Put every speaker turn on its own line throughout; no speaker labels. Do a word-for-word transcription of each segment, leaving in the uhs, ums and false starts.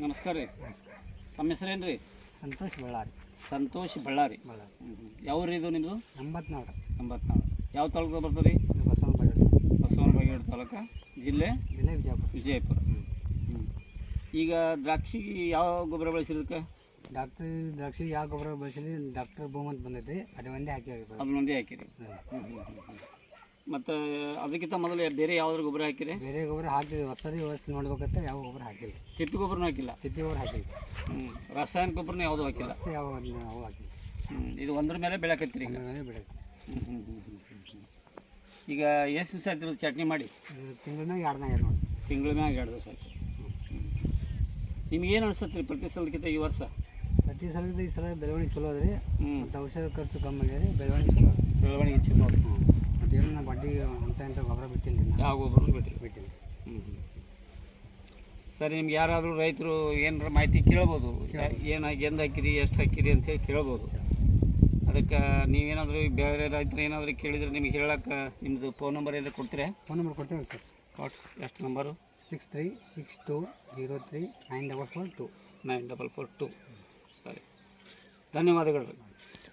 ನಮಸ್ಕಾರ ರೀ. ತಮ್ಮ ಹೆಸರೇನು ರೀ?
ಸಂತೋಷ್ ಬಳ್ಳಾರಿ.
ಸಂತೋಷ್ ಬಳ್ಳಾರಿ.
ಬಳ್ಳಾರಿ.
ಯಾವ ರೀ ಇದು ನಿಮ್ಮದು?
ಎಂಬತ್ನಾಲ್ಕು.
ಎಂಬತ್ನಾಲ್ಕು. ಯಾವ ತಾಲೂಕು ಬರ್ತದೆ ರೀ?
ಬಸವನ ಬಾಗೇಡು.
ಬಸವನ ಬಾಗೇಡು ತಾಲೂಕು, ಜಿಲ್ಲೆ
ಜಿಲ್ಲೆ ವಿಜಯಪುರ.
ವಿಜಯಪುರ. ಹ್ಞೂ. ಈಗ ದ್ರಾಕ್ಷಿಗೆ ಯಾವ ಗೊಬ್ಬರ ಬಳಸಿರೋದಕ್ಕೆ?
ಡಾಕ್ಟ್ರ್ ದ್ರಾಕ್ಷಿ ಯಾವ ಗೊಬ್ಬರ ಬಳಸಿದ್ರಿ? ಡಾಕ್ಟರ್ ಭೂಮ್ ಅಂತ ಬಂದೈತಿ, ಅದು ಒಂದೇ ಹಾಕಿರಿ.
ಅದನ್ನ ಒಂದೇ ಹಾಕಿರಿ. ಮತ್ತು ಅದಕ್ಕಿಂತ ಮೊದಲು ಬೇರೆ ಯಾವ್ದಾರು ಗೊಬ್ಬರ ಹಾಕಿರಿ?
ಬೇರೆ ಗೊಬ್ಬರ ಹಾಕಿದ್ವಿ, ಹೊಸದಿ ವರ್ಷ ನೋಡ್ಬೇಕಂತ ಯಾವ ಗೊಬ್ಬರ ಹಾಕಿಲ್ಲ.
ತಿಪ್ಪಿ ಗೊಬ್ಬರನೂ ಹಾಕಿಲ್ಲ?
ತಿಪ್ಪಿ ಗೊಬ್ಬರ ಹಾಕಿಲ್ಲ.
ಹ್ಞೂ. ರಾಸಾಯನಿಕ ಗೊಬ್ಬರನೂ ಯಾವುದೂ ಹಾಕಿಲ್ಲ?
ಯಾವ ಅವು ಹಾಕಿಲ್ಲ.
ಹ್ಞೂ. ಇದು ಒಂದ್ರ ಮೇಲೆ ಬೆಳೆಕತ್ತೀರಿ ಈಗ?
ಮೇಲೆ ಬೆಳೆಯುತ್ತೆ.
ಹ್ಞೂ ಹ್ಞೂ ಹ್ಞೂ ಹ್ಞೂ ಈಗ ಎಷ್ಟು ದಿವಸ ಆಯ್ತು ಚಟ್ನಿ ಮಾಡಿ?
ತಿಂಗಳ ಮ್ಯಾಗ ಎರಡು ಮ್ಯಾಗ ನೋಡಿ.
ತಿಂಗಳ ಮ್ಯಾಗ ಎರಡು ದಿವಸ ಆಯ್ತು. ನಿಮ್ಗೇನು ಅನಿಸುತ್ತೆ ರೀ ಪ್ರತಿ ಸಲಕ್ಕಿಂತ ಈ ವರ್ಷ?
ಪ್ರತಿ ಸಲದ ಈ ಸಲ ಬೆಳವಣಿಗೆ ಚಲೋ ಅದ ರೀ.
ಹ್ಞೂ.
ಮತ್ತು ಔಷಧ ಖರ್ಚು ಕಮ್ಮಿ ಆಗ್ಯದ ರೀ, ಬೆಳವಣಿಗೆ ಚಲೋ ಅದ.
ಬೆಳವಣಿಗೆ ಚಲೋ.
ಹ್ಞೂ. ಮತ್ತು ಏನು ನಾ ಬಡ್ಡಿ ಅಂತ ಇಂಥ ಗೊಬ್ಬರ ಬಿಟ್ಟಿಲ್ಲ ರೀ.
ಯಾವ ಗೊಬ್ಬರನೂ ಬಿಟ್ಟಿಲ್ಲ?
ಬಿಟ್ಟಿಲ್ಲ.
ಹ್ಞೂ ಹ್ಞೂ ಸರಿ. ನಿಮ್ಗೆ ಯಾರಾದರೂ ರೈತರು ಏನಾರ ಮಾಹಿತಿ ಕೇಳ್ಬೋದು, ಏನು ಎಂದು ಹಾಕಿರಿ, ಎಷ್ಟು ಹಾಕಿರಿ ಅಂತೇಳಿ ಕೇಳ್ಬೋದು. ಅದಕ್ಕೆ ನೀವೇನಾದರೂ ಬೇರೆ ರೈತರು ಏನಾದರೂ ಕೇಳಿದರೆ ನಿಮ್ಗೆ ಹೇಳಕ್ಕೆ ನಿಮ್ಮದು ಫೋನ್ ನಂಬರ್ ಏನಾದ್ರು ಕೊಡ್ತೀರಾ?
ಫೋನ್ ನಂಬರ್ ಕೊಡ್ತೀವಿ ಸರ್.
ವಾಟ್ಸ್ ಎಷ್ಟು number?
Six three six two zero three nine double four two
nine double four two. ಸರಿ, ಧನ್ಯವಾದಗಳು ರೀ.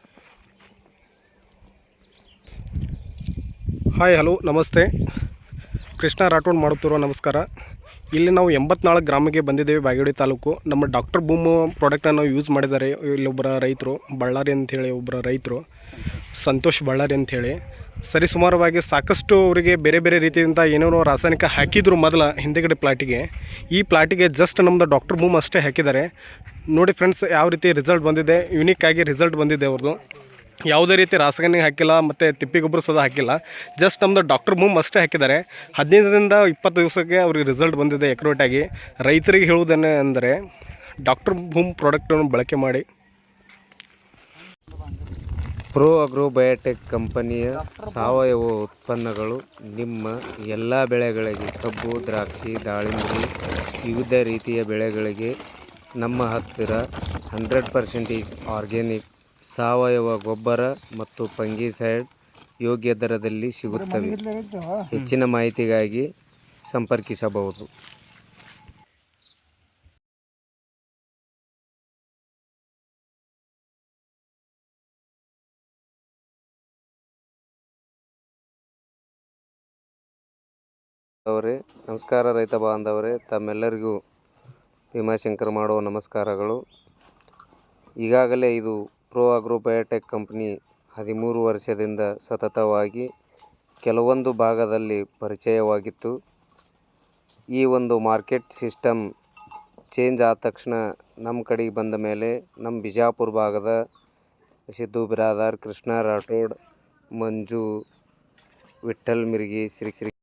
ಹಾಯ್, ಹಲೋ, ನಮಸ್ತೆ. ಕೃಷ್ಣ ರಾಠೋಡ್ ಮಾಡುತ್ತಿರುವ ನಮಸ್ಕಾರ. ಇಲ್ಲಿ ನಾವು ಎಂಬತ್ನಾಲ್ಕು ಗ್ರಾಮಕ್ಕೆ ಬಂದಿದ್ದೇವೆ, ಬಾಗೇವಾಡಿ ತಾಲೂಕು. ನಮ್ಮ ಡಾಕ್ಟರ್ ಬೂಮ್ ಪ್ರಾಡಕ್ಟನ್ನು ಯೂಸ್ ಮಾಡಿದ್ದಾರೆ ಇಲ್ಲೊಬ್ಬರ ರೈತರು, ಬಳ್ಳಾರಿ ಅಂಥೇಳಿ ಒಬ್ಬರ ರೈತರು, ಸಂತೋಷ್ ಬಳ್ಳಾರಿ ಅಂಥೇಳಿ. ಸರಿ ಸುಮಾರವಾಗಿ ಸಾಕಷ್ಟು ಅವರಿಗೆ ಬೇರೆ ಬೇರೆ ರೀತಿಯಿಂದ ಏನೇನೋ ರಾಸಾಯನಿಕ ಹಾಕಿದ್ರು ಮೊದಲ ಹಿಂದೆಗಡೆ ಪ್ಲಾಟಿಗೆ. ಈ ಪ್ಲಾಟಿಗೆ ಜಸ್ಟ್ ನಮ್ಮದು ಡಾಕ್ಟರ್ ಬೂಮ್ ಅಷ್ಟೇ ಹಾಕಿದ್ದಾರೆ. ನೋಡಿ ಫ್ರೆಂಡ್ಸ್, ಯಾವ ರೀತಿ ರಿಸಲ್ಟ್ ಬಂದಿದೆ, ಯುನಿಕ್ ಆಗಿ ರಿಸಲ್ಟ್ ಬಂದಿದೆ ಅವ್ರದ್ದು. ಯಾವುದೇ ರೀತಿ ರಾಸಾಯನಿಕ ಹಾಕಿಲ್ಲ ಮತ್ತು ತಿಪ್ಪಿ ಗೊಬ್ಬರ ಸಹ ಹಾಕಿಲ್ಲ. ಜಸ್ಟ್ ನಮ್ಮದು ಡಾಕ್ಟರ್ ಬೂಮ್ ಅಷ್ಟೇ ಹಾಕಿದ್ದಾರೆ. ಹದಿನೈದರಿಂದ ಇಪ್ಪತ್ತು ದಿವಸಕ್ಕೆ ಅವ್ರಿಗೆ ರಿಸಲ್ಟ್ ಬಂದಿದೆ ಎಕ್ರೋಟಾಗಿ. ರೈತರಿಗೆ ಹೇಳುವುದೇನೆ ಅಂದರೆ ಡಾಕ್ಟರ್ ಬೂಮ್ ಪ್ರಾಡಕ್ಟನ್ನು ಬಳಕೆ ಮಾಡಿ.
ಪ್ರೋ ಅಗ್ರೋ ಬಯೋಟೆಕ್ ಕಂಪನಿಯ ಸಾವಯವ ಉತ್ಪನ್ನಗಳು ನಿಮ್ಮ ಎಲ್ಲ ಬೆಳೆಗಳಿಗೆ, ಕಬ್ಬು, ದ್ರಾಕ್ಷಿ, ದಾಳಿಂಬೆ, ವಿವಿಧ ರೀತಿಯ ಬೆಳೆಗಳಿಗೆ ನಮ್ಮ ಹತ್ತಿರ ಹಂಡ್ರೆಡ್ ಪರ್ಸೆಂಟೇಜ್ ಆರ್ಗ್ಯಾನಿಕ್ ಸಾವಯವ ಗೊಬ್ಬರ ಮತ್ತು ಫಂಗಿಸೈಡ್ ಯೋಗ್ಯ ದರದಲ್ಲಿ ಸಿಗುತ್ತವೆ. ಹೆಚ್ಚಿನ ಮಾಹಿತಿಗಾಗಿ ಸಂಪರ್ಕಿಸಬಹುದು. ಅವರೇ ನಮಸ್ಕಾರ. ರೈತ ಬಾಂಧವರೇ, ತಮ್ಮೆಲ್ಲರಿಗೂ ಭೀಮಾಶಂಕರ್ ಮಾಡುವ ನಮಸ್ಕಾರಗಳು. ಈಗಾಗಲೇ ಇದು ಪ್ರೋ ಅಗ್ರೋ ಬಯೋಟೆಕ್ ಕಂಪ್ನಿ ಹದಿಮೂರು ವರ್ಷದಿಂದ ಸತತವಾಗಿ ಕೆಲವೊಂದು ಭಾಗದಲ್ಲಿ ಪರಿಚಯವಾಗಿತ್ತು. ಈ ಒಂದು ಮಾರ್ಕೆಟ್ ಸಿಸ್ಟಮ್ ಚೇಂಜ್ ಆದ ತಕ್ಷಣ ನಮ್ಮ ಕಡೆಗೆ ಬಂದ ಮೇಲೆ ನಮ್ಮ ಬಿಜಾಪುರ ಭಾಗದ ಸಿದ್ದು ಬಿರಾದಾರ್, ಕೃಷ್ಣ ರಾಠೋಡ್, ಮಂಜು, ವಿಠ್ಠಲ್ ಮಿರ್ಗಿ, ಶ್ರೀ ಶ್ರೀ